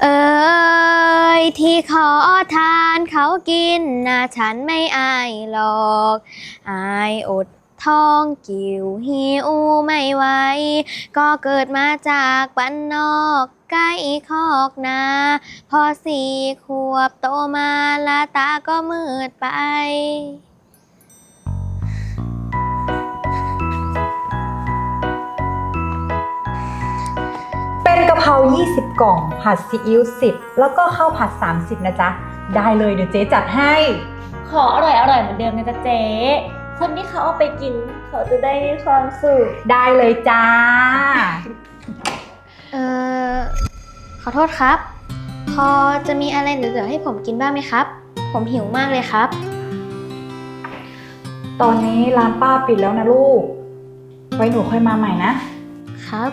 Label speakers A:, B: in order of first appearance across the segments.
A: เอ่ยที่ขอทานเขากินนะฉันไม่อายหรอกอายอดท้องกิ่วหิวไม่ไหวก็เกิดมาจากบ้านนอกใกล้คอกนาพอ4 ขวบโตมาละตาก็มืดไป
B: เป็นกะเพรา20 กล่องผัดซีอิ๊ว10แล้วก็ข้าวผัด30นะจ๊ะได้เลยเดี๋ยวเจ๊จัดให้
C: ขออร่อยเหมือนเดิมนะจ๊ะเจ๊คนที่เขาเอาไปกินเขาจะได้มีความสุข
B: ได้เลยจ้า
A: เอ่อขอโทษครับพอจะมีอะไรเหลือๆให้ผมกินบ้างไหมครับผมหิวมากเลยครับ
B: ตอนนี้ร้านป้าปิดแล้วนะลูกไว้หนูค่อยมาใหม่นะครับ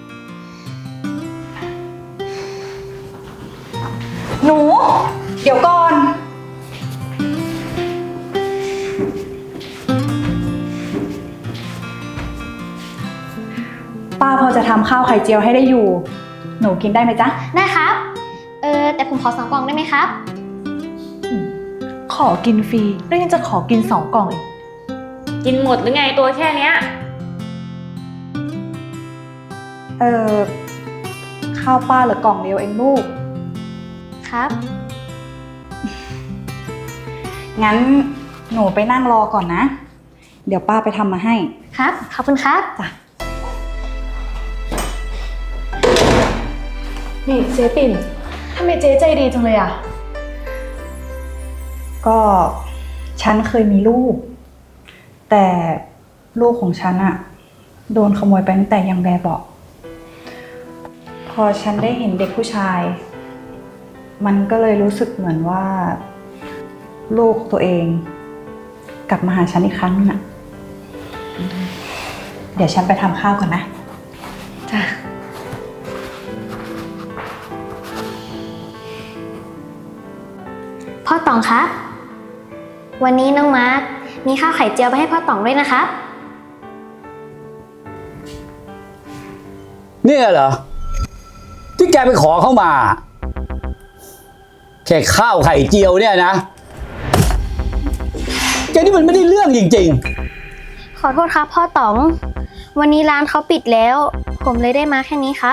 B: หนูเดี๋ยวก่อนป้าพอจะทำข้าวไข่เจียวให้ได้อยู่หนูกินได้ไหมจ๊ะ
A: ได้ครับแต่ผมขอ2 กล่องได้ไหมครับ
B: ขอกินฟรีแล้วยังจะขอกิน2 กล่องอีก
C: กินหมดหรือไงตัวแค่เนี้ย
B: ข้าวป้าเหลือกล่องเดียวเองลูก
A: ครับ
B: งั้นหนูไปนั่งรอก่อนนะเดี๋ยวป้าไปทำมาให้
A: ครับขอบคุณครับ
B: จ้ะ
D: นี่เจ๊ปิ่นทำไมเจ๊ใจดีจังเลยอ่ะ
B: ก็ฉันเคยมีลูกแต่ลูกของฉันอะโดนขโมยไปตั้งแต่ยังแบบเบาะพอฉันได้เห็นเด็กผู้ชายมันก็เลยรู้สึกเหมือนว่าลูกตัวเองกลับมาหาฉันอีกครั้งนึงอะเดี๋ยวฉันไปทำข้าวก่อนนะ
A: จ้ะพ่อต๋องครับวันนี้น้องมาร์คมีข้าวไข่เจียวไปให้พ่อต๋องด้วยนะครับ
E: เนี่ยเหรอที่แกไปขอเข้ามาแค่ข้าวไข่เจียวเนี่ยนะแกนี่มันไม่ได้เรื่องจริง
A: ๆขอโทษครับพ่อต๋องวันนี้ร้านเขาปิดแล้วผมเลยได้มาแค่นี้ครับ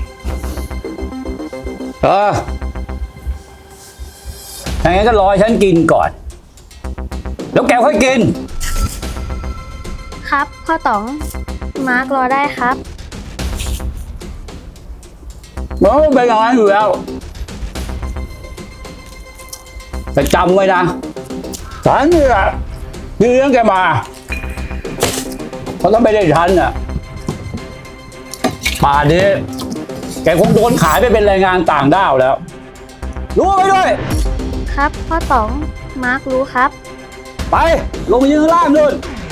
E: อย่างงั้นก็รอฉันกินก่อนแล้วแกค่อยกิน
A: ครับพ่อต๋องมาร์ครอได้ครับ
E: มันเป็นอย่างนั้นอยู่แล้วแต่จำไว้นะฉันนี่แหละที่เลี้ยงแกมาเพราะถ้าไม่ได้ฉันน่ะป่านนี้แกคงโดนขายไปเป็นแรงงานต่างด้าวแล้วรู้ไว้ด้วย
A: ครับพ่อต๋องมาร์ครู้ครับ
E: ไปลงไปยืนข้างล่างนู่น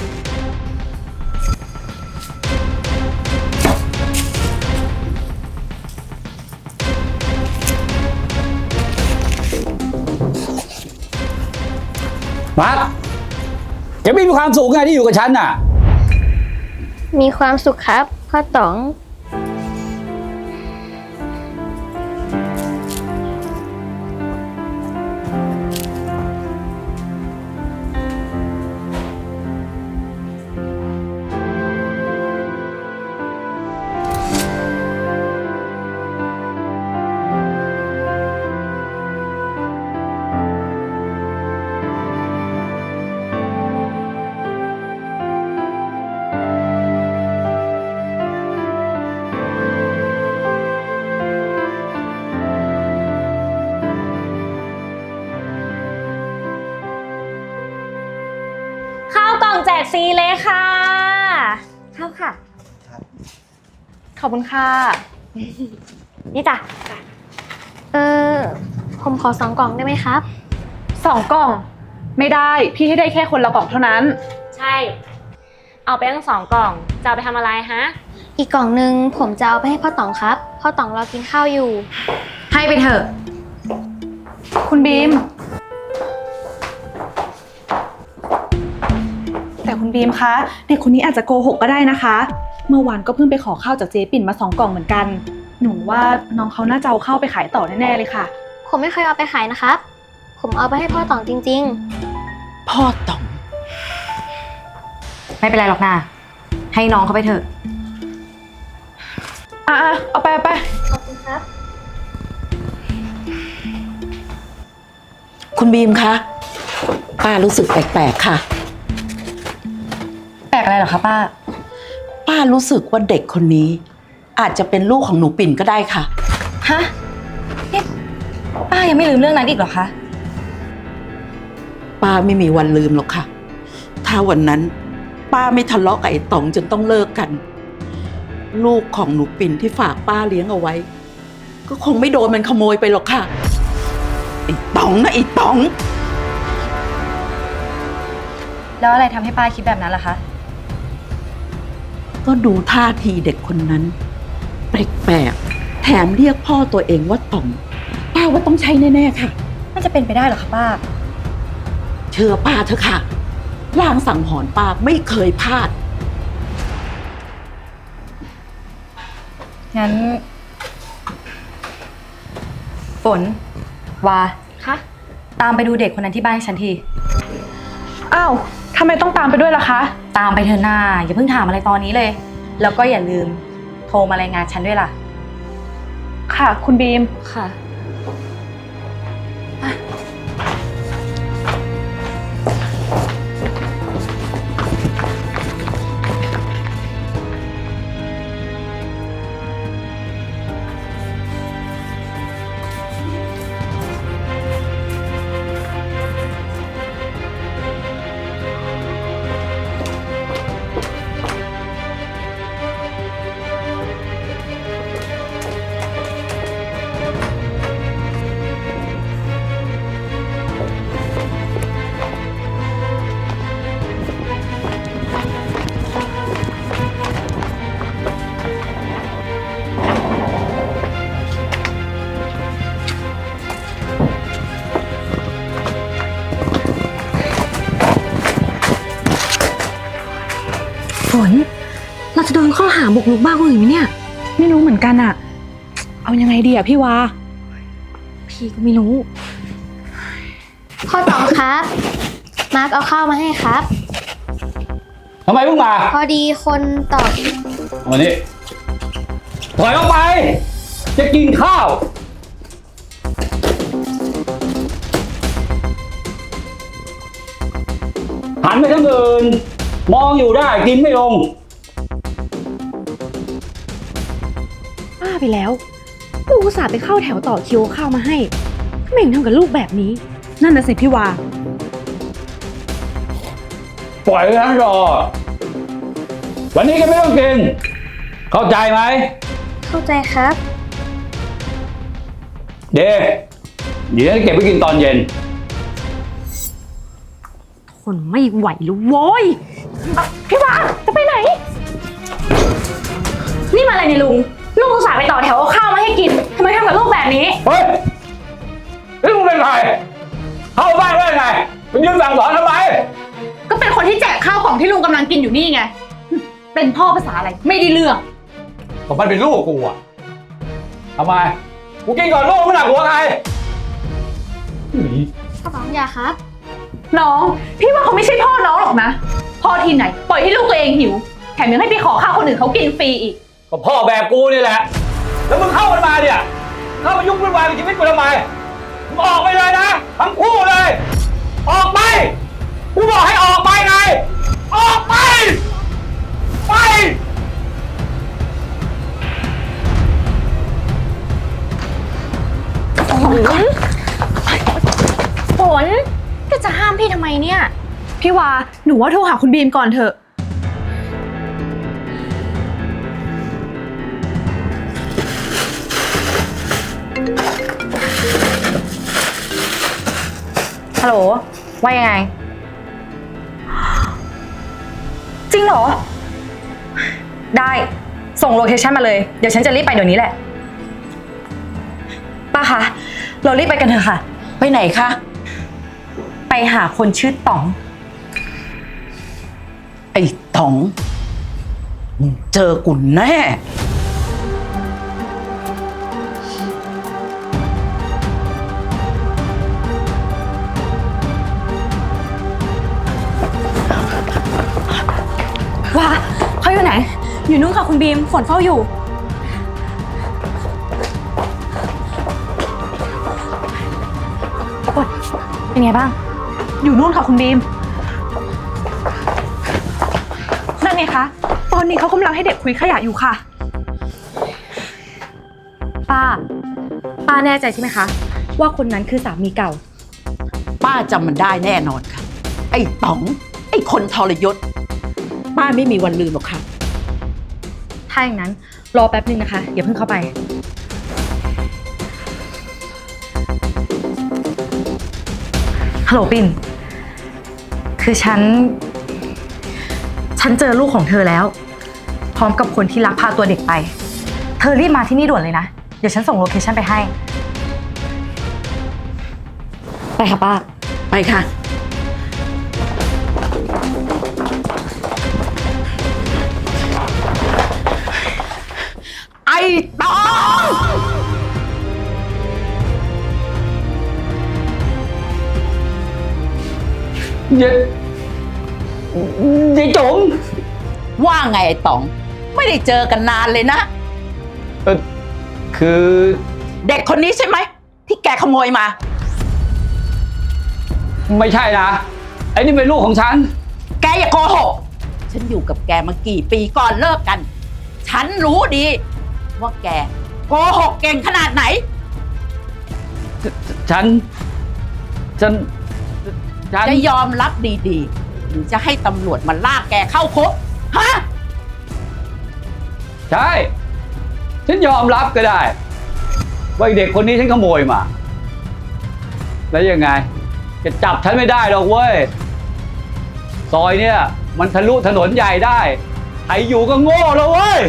E: มาร์คแกไม่มีความสุขไงที่อยู่กับฉันน่ะ
A: มีความสุขครับพ่อต๋อง
C: แจกฟรีเลยค่ะเข้าค่ะ
D: ขอบคุณค่ะ
C: นี่จ้ะ
A: ผมขอ2 กล่องได้ไหมครับ
D: 2 กล่องไม่ได้พี่ให้ได้แค่คนละกล่องเท่านั้น
C: ใช่เอาไปทั้ง2 กล่องจะเอาไปทำอะไรฮะ
A: อีกกล่องนึงผมจะเอาไปให้พ่อต๋องครับพ่อต๋องรอกินข้าวอยู่
D: ให้ไปเถอะคุณบีมแต่คุณบีมคะเด็กคนนี้อาจจะโกหกก็ได้นะคะเมื่อวานก็เพิ่งไปขอข้าวจากเจ๊ปิ่นมา2 กล่องเหมือนกันหนูว่าน้องเขาน่าจะเอาเข้าไปขายต่อแน่ๆเลยค่ะ
A: ผมไม่เคยเอาไปขายนะครับ ผมเอาไปให้พ่อต๋องจริง
F: พ่อต๋อง
G: ไม่เป็นไรหรอกนะให้น้องเขาไปเถอะ
D: อ่ะเอาไป
A: ๆ ขอบคุณครับ
F: คุณบีมคะป้ารู้สึกแปลกๆค่ะ
G: แปลกอะไรเหรอคะป้า
F: ป้ารู้สึกว่าเด็กคนนี้ อาจจะเป็นลูกของหนูปิ่นก็ได้ค่ะ
G: ฮะนี่ป้ายังไม่ลืมเรื่องนั้นอีกเหรอคะ
F: ป้าไม่มีวันลืมหรอกค่ะ ถ้าวันนั้น ป้าไม่ทะเลาะกับไอ้ต๋องจนต้องเลิกกัน ลูกของหนูปิ่นที่ฝากป้าเลี้ยงเอาไว้ ก็คงไม่โดนมันขโมยไปหรอกค่ะไอ้ต๋องนะไอ้ต๋อง
G: แล้วอะไรทำให้ป้าคิดแบบนั้นล่ะคะ
F: ก็ดูท่าทีเด็กคนนั้น แปลกๆแถมเรียกพ่อตัวเองว่าต๋องป้าว่าต้องใช่แน่ๆค่ะ
G: มันจะเป็นไปได้เหรอคะป้า
F: เชื่อป้าเถอะค่ะลางสังหรณ์ป้าไม่เคยพลาด
G: งั้น ฝน วา
D: คะ
G: ตามไปดูเด็กคนนั้นที่บ้านให้ฉันที
D: อ้าวทำไมต้องตามไปด้วยล่ะคะ
G: ตามไปเถอะหน้าอย่าเพิ่งถามอะไรตอนนี้เลย แล้วก็อย่าลืมโทรมารายงานฉันด้วยล่ะ
D: ค่ะ คุณบีม
G: ค่ะ
H: ฝน เราจะโดนข้อหาบุกรุกบ้านคนอื่นไหมเนี่ย
D: ไม่รู้เหมือนกันอะเอายังไงดีอะพี่วา
H: พี่ก็ไม่รู้
A: พ่อต๋องครับ มาร์คเอาข้าวมาให้ครับ
E: ทำไมเพิ่งมา
A: พอดีคนตอบ
E: วันนี้ถอยออกไป จะกินข้าว หันไปทางอื่น มองอยู่ได้กินไม่ลง
H: ป้าไปแล้ว ลูกอุตส่าห์ไปเข้าแถวต่อคิวข้าวมาให้ทำไมถึงทำกับลูกแบบนี้
D: นั่นน่ะสิพี่วา
E: ปล่อยไว้ทั้งรอ วันนี้ก็ไม่ต้องกิน เข้าใจไหม
A: เข้าใจครับ
E: เดี๋ยวจะเก็บไว้กินตอนเย็น
H: ทนไม่ไหวแล้วโว้ย
D: พี่วาจะไปไหน
C: นี่มาอะไรเนี่ยลุง ลุงอุตส่าห์ไปต่อแถวเอาข้าวมาให้กิน ทำไมทำกับลูกแบบนี้
E: เฮ้ยนี่มึงเป็นใคร เข้าบ้านได้ไงมึงยืนสั่งสอนทำไม
C: ก็เป็นคนที่แจกข้าวกล่องที่ลุงกำลังกินอยู่นี่ไง เป็นพ่อภาษาอะไร ไม่ได้เรื่อง
E: ก็มันเป็นลูกกูอะทำไม กูกินก่อนลูกไม่หนักหัวใคร
A: พ่อต๋องอย่าครับ
D: น้อง พี่ว่าเขาไม่ใช่พ่อน้องหรอกนะ พ่อที่ไหน ปล่อยให้ลูกตัวเองหิว แถมยังให้ไปขอข้าวคนอื่นเขากินฟรีอีก
E: ก็พ่อแบบกูนี่แหละ แล้วมึงเข้ามันมาเนี่ย เข้ามายุ่งวุ่นวายกับชีวิตกูทำไม มึงออกไปเลยนะ ทั้งคู่เลย ออกไป กูบอกให้ออกไปไง ออกไป ไป
C: ฝนก็จะห้ามพี่ทำไมเนี่ย
D: พี่วา หนูว่าโทรหาคุณบีมก่อนเถอะ
G: ฮัลโหล ว่ายังไง จริงเหรอ ได้ ส่งโลเคชั่นมาเลย เดี๋ยวฉันจะรีบไปเดี๋ยวนี้แหละ ป้าคะ เรารีบไปกันเถอะค่ะ
F: ไปไหนคะ
G: ไปหาคนชื่อต๋อง
F: ไอ้ต๋องมึงเจอกูแน่
H: อยู่นู่นค่ะคุณบีม ฝนเฝ้าอยู่ เป็นไงบ้าง
D: อยู่นู่นค่ะคุณบีม นั่นไงคะ ตอนนี้เขากำลังให้เด็กคุยขยะอยู่ค่ะ
H: ป้าแน่ใจใช่ไหมคะ ว่าคนนั้นคือสามีเก่า
F: ป้าจำมันได้แน่นอนค่ะ ไอ้ต๋อง ไอ้คนทรยศ ป้าไม่มีวันลืมหรอกค่ะ
H: ถ้าอย่างนั้นรอแป๊บนึงนะคะ อย่าเพิ่งเข้าไป ฮัลโหลปิ่น คือฉันเจอลูกของเธอแล้ว พร้อมกับคนที่ลักพาตัวเด็กไป เธอรีบมาที่นี่ด่วนเลยนะ เดี๋ยวฉันส่งโลเคชั่นไปให้ ไปค่ะป้า
F: ไปค่ะ ไอ้ต๋อง
E: ยายจุ๋ม
F: ว่าไงไอ้ต๋อง ไม่ได้เจอกันนานเลยนะ
E: คือ
F: เด็กคนนี้ใช่ไหม ที่แกขโมยมา
E: ไม่ใช่นะ ไอ้นี่เป็นลูกของฉัน
F: แกอย่าโกหก ฉันอยู่กับแกมากี่ปีก่อนเลิกกัน ฉันรู้ดี ว่าแกโกหกเก่งขนาดไหน
E: ฉัน
F: จะยอมรับดีๆ หรือจะให้ตำรวจมาลากแกเข้าคุก ฮะ
E: ใช่ ฉันยอมรับก็ได้ ว่าไอ้เด็กคนนี้ฉันขโมยมา แล้วยังไง จะจับฉันไม่ได้หรอกเว้ย ซอยเนี่ยมันทะลุถนนใหญ่ได้ใครอยู่ก็โง่แล้วเว้ย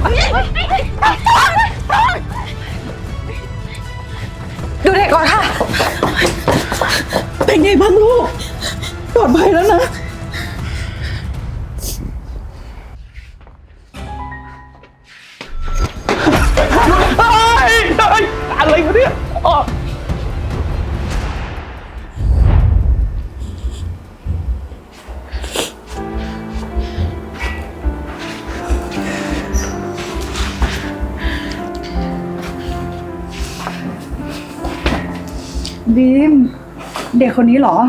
D: ดูเด็กก่อนค่ะ
F: เป็นไงบ้างลูก ปลอดภัยแล้วนะ
E: อะไรวะเนี่ยอ๋อ
B: บีม เด็กคนนี้เหรอ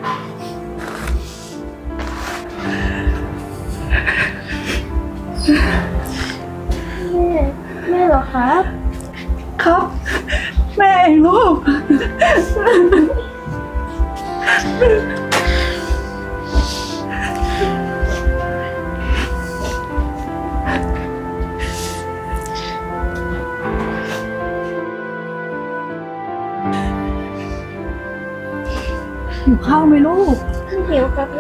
A: แม่เหรอครับ
B: ครับ แม่เองลูก อยู่ข้าวไหมลูก
A: หิวครับแม่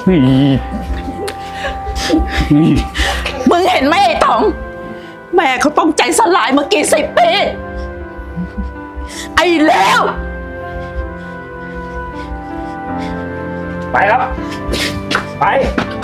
F: มึงเห็นไหมไอ้ต๋อง แม่เขาต้องใจสลายมากี่สิบปี ไอ้แล้ว
E: ไปครับ ไป